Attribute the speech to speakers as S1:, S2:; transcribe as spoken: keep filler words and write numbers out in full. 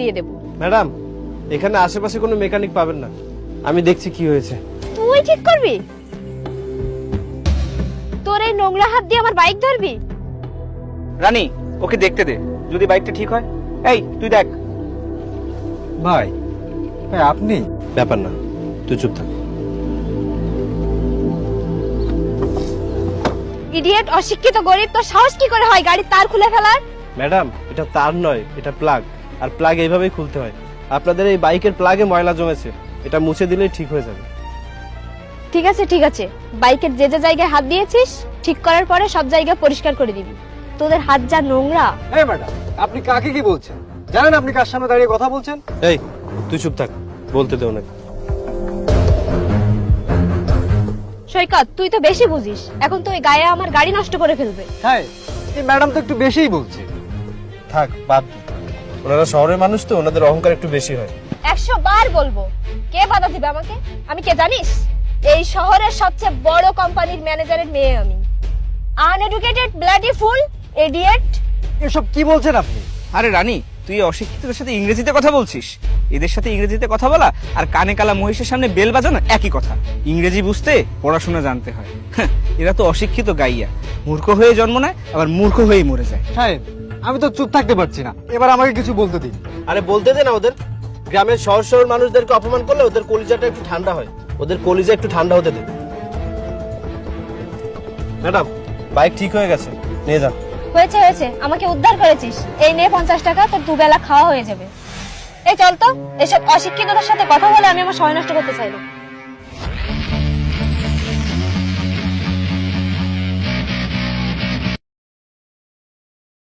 S1: দিয়ে দেব।
S2: ম্যাডাম, এখানে আশেপাশে কোনো মেকানিক পাবেন না, আমি দেখছি কি হয়েছে।
S1: তুই ঠিক করবি? তোর এই নোংরা হাত দিয়ে আমার বাইক ধরবি?
S3: রানী, ওকে দেখতে দে, যদি বাইকটা ঠিক হয়। এই তুই দেখ।
S4: ভাই ভাই আপনি?
S2: ব্যাপার না, তুই চুপ থাক।
S1: ইডিয়েট, অশিক্ষিত গরিব, তোর সাহস কি করে হয় গাড়ির তার খুলে ফেলার?
S2: ম্যাডাম, এটা তার নয়, এটা প্লাগ, আর প্লাগ এইভাবেই খুলতে হয়। আপনাদের এই বাইকের প্লাগে ময়লা জমেছে, এটা মুছে দিলেই ঠিক হয়ে যাবে।
S1: ঠিক আছে ঠিক আছে, বাইকের যে যে জায়গায় হাত দিয়েছিস ঠিক করার পরে সব জায়গা পরিষ্কার করে দিবি। তোদের হাত যা নোংরা।
S4: এই ম্যাডাম, আপনি কাকে কি বলছেন? জানেন আপনি কার সামনে দাঁড়িয়ে কথা বলছেন?
S2: এই তুই চুপ থাক, বলতে দে ওনাকে।
S1: সৈকত, তুই তো বেশি বুঝিস, এখন তো ওই গায়ে আমার গাড়ি নষ্ট করে ফেলবে।
S4: হ্যাঁ, এই ম্যাডাম তো একটু বেশিই বলছে।
S2: থাক, বাদ দে। ওনারা শহরের মানুষ তো, ওনাদের অহংকার একটু বেশি হয়।
S1: একশো বার বলবো, কে বাধা দিবে আমাকে? আমি কে জানিস? এই শহরের সবচেয়ে বড় কোম্পানির ম্যানেজারের মেয়ে আমি। Uneducated, bloody fool, idiot.
S4: এসব কি বলছেন আপনি?
S3: আরে রানী, তুই এই অশিক্ষিতদের সাথে ইংরেজিতে কথা বলছিস? এদের সাথে ইংরেজিতে কথা বলা আর কানে কালা মহিষের সামনে বেল বাজানো একই কথা। ইংরেজি বুঝতে পড়াশোনা জানতে হয়। হ্যাঁ, এরা তো অশিক্ষিত গাইয়া, মূর্খ হয়ে জন্ম নেয় আবার মূর্খ হয়েই মরে যায়।
S4: সাহেব, আমি তো চুপ থাকতে পারছি না, এবার আমাকে কিছু বলতে দিন।
S2: আরে বলতে দে না ওদের। গ্রামের শহর শহর মানুষদেরকে অপমান করলে ওদের কলিজাটা একটু ঠান্ডা হয়, ওদের কলিজা একটু ঠান্ডা হতে দে। ম্যাডাম, বাইক ঠিক হয়ে গেছে, নিয়ে যান।
S1: হয়েছে হয়েছে, আমাকে উদ্ধার করেছিস, এই নে পঞ্চাশ টাকা, তোর দুবেলা খাওয়া হয়ে যাবে। এই চল তো, এসব অশিক্ষিতদের সাথে কথা বলে আমি আমার সময় নষ্ট করতে চাই না।